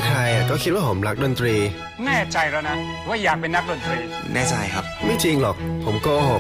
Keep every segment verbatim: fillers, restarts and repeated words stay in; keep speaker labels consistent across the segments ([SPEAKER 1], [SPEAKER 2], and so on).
[SPEAKER 1] ใครๆก็คิดว่าผมรักดนตรี
[SPEAKER 2] แน่ใจแล้วนะว่าอยากเป็นนักดนตรี
[SPEAKER 3] แน่ใจครับ
[SPEAKER 1] ไม่จริงหรอกผมโกหก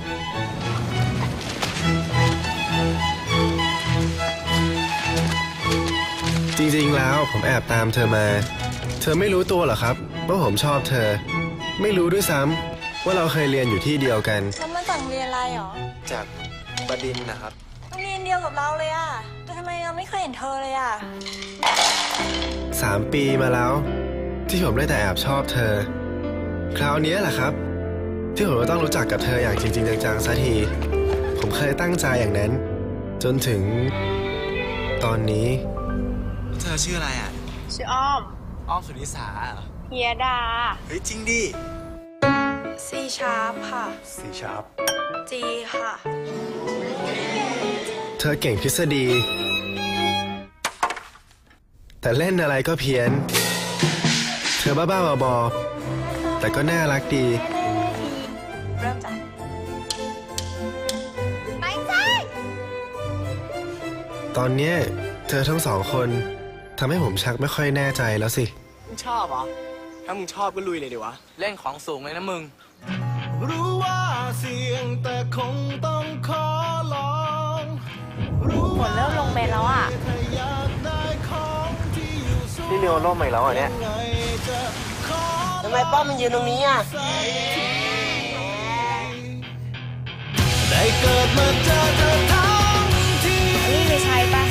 [SPEAKER 1] จริงๆแล้วผมแอบตามเธอมาเธอไม่รู้ตัวหรอครับว่าผมชอบเธอไม่รู้ด้วยซ้ำว่าเราเคยเรียนอยู่ที่เดียวกัน
[SPEAKER 4] แล้วมาจากเรียนอะไรหรอ
[SPEAKER 1] จากบดินทร์นะครับ
[SPEAKER 4] โรงเรียนเดียวกับเราเลยอะแต่ทำไมเราไม่เคยเห็นเธอเลยอะ
[SPEAKER 1] สามปีมาแล้วที่ผมได้แต่แอบชอบเธอคราวนี้แหละครับที่ผมต้องรู้จักกับเธออย่างจริงๆจังๆสักทีผมเคยตั้งใจอย่างนั้นจนถึงตอนนี้
[SPEAKER 3] เธอชื่ออะไรอ่ะ
[SPEAKER 4] ชื่ออ้อม
[SPEAKER 3] อ้อมสุนิสา
[SPEAKER 4] เฮียดา
[SPEAKER 3] เฮ้ยจริงดิ
[SPEAKER 4] ซีชาร์ปค่ะ
[SPEAKER 3] ซีชาร์ป
[SPEAKER 4] จีค่ะ
[SPEAKER 1] เธอเก่งทฤษฎีแต่เล่นอะไรก็เพี้ยนเธอบ้าๆบอๆแต่ก็น่ารักดี
[SPEAKER 4] เริ่มจากไม่ใช่
[SPEAKER 1] ตอนนี้เธอทั้งสองคนทำให้ผมชักไม่ค่อยแน่ใจแล้วสิ
[SPEAKER 3] มึงชอบเหรอถ้ามึงชอบก็ลุยเลยดิวะเล่นของสูงเลยนะมึง
[SPEAKER 5] รู้ว่าเสี่ยงแต่คงต้องขอลอง
[SPEAKER 4] ฝนเริ่มลงเม็ดแล้วอ่ะ
[SPEAKER 1] นี่เรียวร่มใหม่แล้วอ่ะเนี่ย
[SPEAKER 6] ทำไมป้อมมันยืนตรงนี้อ่ะ
[SPEAKER 5] ได้เกิดมาเจอเธอทั้งที
[SPEAKER 4] นี่ไม่ใช่ป่ะ